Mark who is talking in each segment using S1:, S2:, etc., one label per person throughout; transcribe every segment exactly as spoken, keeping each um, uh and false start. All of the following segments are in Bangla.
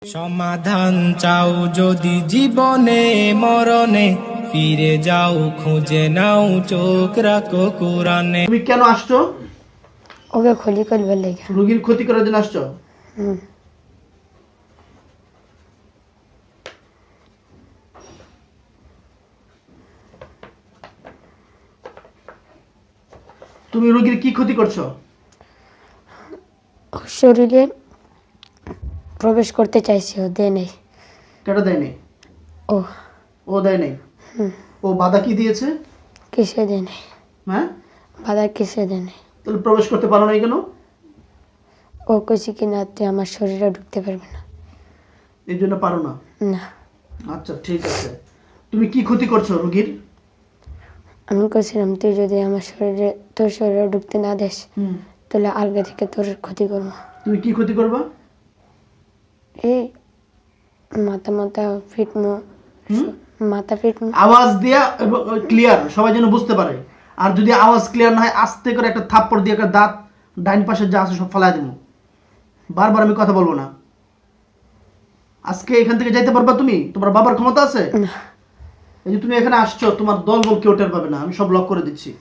S1: সমাধান চাও যদি জীবনে মরণে, ফিরে যাও খুঁজে নাও চোখ রাখো কোরআনে।
S2: তুমি কেন আসছো?
S3: ওকে ক্ষতি করবার লেগে।
S2: রোগীর ক্ষতি করার জন্য আসছো?
S3: হুম।
S2: তুমি রোগীর কি ক্ষতি করছো?
S3: ওর শরীরে প্রবেশ করতে চাইছি, ও দেয় নেই।
S2: কেটা দেয় নেই?
S3: ও
S2: ও দেয় নেই?
S3: হুম।
S2: ও বাধা কি দিয়েছে?
S3: কিসে দেয় নেই?
S2: হ্যাঁ,
S3: বাধা কিসে দেয় নেই?
S2: তাহলে প্রবেশ করতে পারো নাই কেন?
S3: ও কইছি কি না তুই আমার শরীরে ঢুকতে পারবে না।
S2: এই জন্য পারো না?
S3: না,
S2: আচ্ছা ঠিক আছে। তুমি কি ক্ষতি করছো রোগীর?
S3: আমি কইছিলাম তুই যদি আমার শরীরে তোর শরীরে ঢুকতে না দেস
S2: হুম।
S3: তাহলে আলগা থেকে তোর ক্ষতি করবো।
S2: তুমি কি ক্ষতি করবা?
S3: এই মাথা মাথা ফিটমো,
S2: হুম?
S3: মাথা ফিটমো।
S2: আওয়াজ দিয়া এবং ক্লিয়ার, সবাই যেন বুঝতে পারে। আর যদি আওয়াজ ক্লিয়ার না হয়, আস্তে করে একটা থাপ্পড় দিয়ে একটা দাঁত ডাইন পাশে যা আছে সব ফেলাই দেবো। বারবার আমি কথা বলবো না। আজকে এখান থেকে যাইতে পারবা তুমি? তোমার বাবার ক্ষমতা আছে?
S3: না,
S2: এই যে তুমি এখানে আসছো, তোমার দল বল কেউ টের পাবে না, আমি সব লক করে দিচ্ছি।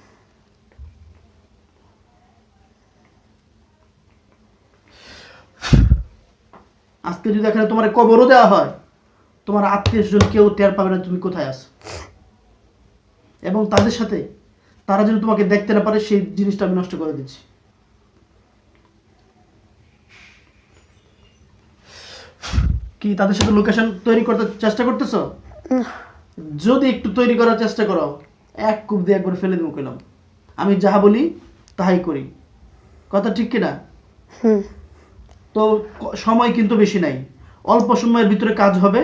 S2: আজকে যদি এখানে তোমার কবরও দেওয়া হয়, তোমার আত্মীয় স্বজন কেউ টের পাবে না তুমি কোথায় আছো। এবং তাদের সাথে তারা যেন তোমাকে দেখতে না পারে, সেই জিনিসটা আমি নষ্ট করে দিচ্ছি। কি তাদের সাথে লোকেশন তৈরি করতে চেষ্টা করতেছো?
S3: না।
S2: যদি একটু তৈরি করার চেষ্টা করো, এক কূপ দিয়ে একবার ফেলে দেবো কেলাম। আমি যাহা বলি তাহাই করি, কথা ঠিক কিনা?
S3: হুম।
S2: তো ক- সময় কিন্তু বেশি নাই, অল্প সময়ের ভিতরে কাজ হবে।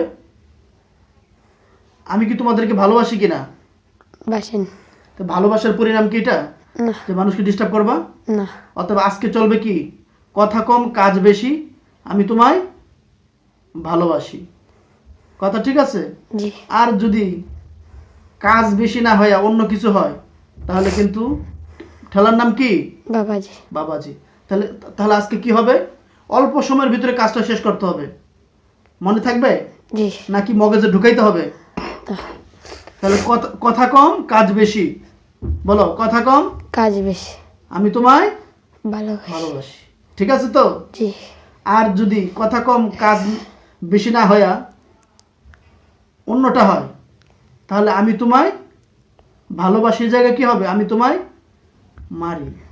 S2: আমি কি তোমাদেরকে ভালোবাসি কিনা?
S3: বাসেন।
S2: তো ভালোবাসার পরিণাম কি এটা
S3: না,
S2: যে মানুষকে ডিস্টার্ব করবা?
S3: না।
S2: অথবা আজকে চলবে কি, কথা কম কাজ বেশি, আমি তোমায় ভালোবাসি, কথা ঠিক আছে?
S3: জি।
S2: আর যদি কাজ বেশি না হয় অন্য কিছু হয়, তাহলে কিন্তু ঠেলার নাম কি?
S3: বাবাজি।
S2: বাবাজি। তাহলে তাহলে আজকে কি হবে, অল্প সময়ের ভিতরে কাজটা শেষ করতে হবে, মনে থাকবে?
S3: জি।
S2: নাকি মগজে ঢুকাইতে হবে?
S3: না,
S2: তাহলে কথা কথা কম কাজ বেশি, বলো কথা কম
S3: কাজ বেশি,
S2: আমি তোমায়
S3: ভালোবাসি।
S2: ভালোবাসি, ঠিক আছে তো?
S3: জি।
S2: আর যদি কথা কম কাজ বেশি না হইয়া অন্যটা হয়, তাহলে আমি তোমায় ভালোবাসির জায়গায় কি হবে, আমি তোমায় মারি।